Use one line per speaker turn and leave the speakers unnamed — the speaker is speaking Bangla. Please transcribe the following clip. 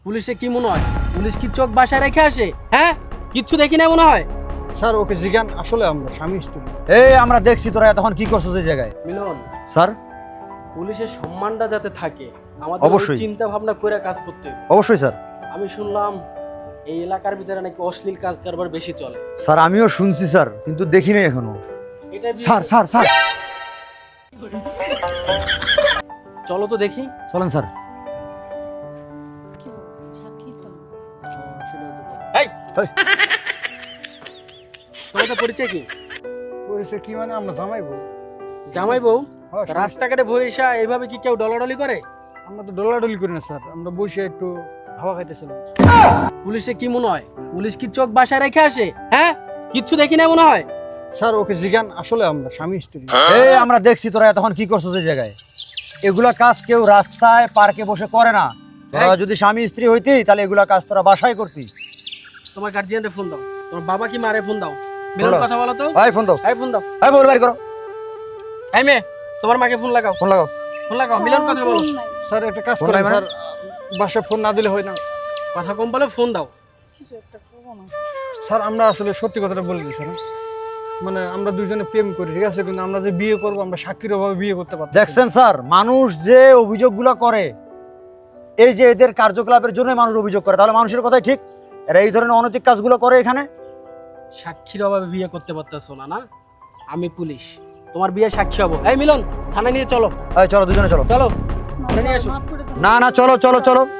পুলিশে কি মনে হয়? পুলিশ কি চোখ বাসায় রেখে আসে? হ্যাঁ, কিচ্ছু দেখি না মনে হয়।
স্যার ওকে জিজ্ঞান, আসলে আমরা স্বামী স্ত্রী।
এই আমরা দেখছি তোরা তখন কি করছিস এই জায়গায়।
মিলন,
স্যার
পুলিশের সম্মানটা যাতে থাকে আমাদের
অবশ্যই।
চিন্তা ভাবনা করে কাজ করতে হবে।
অবশ্যই স্যার।
আমি শুনলাম এই এলাকার ভিতরে নাকি অশ্লীল কাজ কারবার বেশি চলে।
স্যার আমিও শুনছি স্যার, কিন্তু দেখি নাই এখনো।
এটা
স্যার স্যার স্যার
চলো তো দেখি।
চলেন স্যার।
এই
এই।
তোমাদের পরিচয় কি?
পরিচয় কি মানে আমরা জামাই বউ।
জামাই বউ?
হ্যাঁ, স্বামী-
রাস্তাঘাটে বইসা এইভাবে কি কেউ ডলাডলি করে?
আমরা তো ডলাডলি করি না স্যার, আমরা বসে একটু হাওয়া খাইতেছিলাম।
পুলিশে কি মনে হয়? পুলিশ কি চোখ বাসায় রেখে আসে? হ্যাঁ, কিচ্ছু দেখি না মনে হয়।
স্যার ওকে জিজ্ঞান, আসলে আমরা স্বামী স্ত্রী।
এই আমরা দেখছি তোরা তখন কি করছিস এই জায়গায়। এগুলা কাজ কেউ রাস্তায় পার্কে বসে করে না। তোরা
এই।
যদি স্বামী স্ত্রী হইতি তাহলে এগুলা কাজ তোরা বাসায় করতি।
তোমার গার্জিয়ানরে ফোন দাও, তোমার বাবা কি মারে ফোন দাও। মিলন,
বলো।
কথা বলো তো।
এই ফোন দাও,
এই ফোন দাও।
এই মোবাইল বাইর করো,
এই মেয়ে, তোমার মাকে ফোন লাগাও।
ফোন লাগাও।
ফোন লাগাও, মিলন কথা বলো।
স্যার একটা কাজ
ফোন
করেন
নাই মানে?
স্যার, বাসায় ফোন না দিলে হয় না।
কথা কম বলে ফোন দাও।
স্যার আমরা আসলে সত্যি কথাটা বলে দিই স্যার, হ্যাঁ? মানে আমরা দুইজনে প্রেম করি, ঠিক আছে, কিন্তু আমরা যে বিয়ে করবো আমরা সাক্ষীর অভাবে বিয়ে করতে পারছি না।
দেখছেন স্যার, মানুষ যে অভিযোগগুলো করে, এই যে এদের কার্যকলাপের জন্য মানুষ অভিযোগ করে, তাহলে মানুষের কথাই ঠিক। এরা এই ধরনের অনৈতিক কাজগুলো করে এখানে।
সাক্ষীর অভাবে বিয়ে করতে পারতেছো না? না, আমি পুলিশ, তোমার বিয়ে সাক্ষী হবো। এই মিলন, থানায় নিয়ে চলো।
এই চলো দুজনে চলো।
চলো, থানায় নিয়ে এসো।
না না চলো চলো চলো।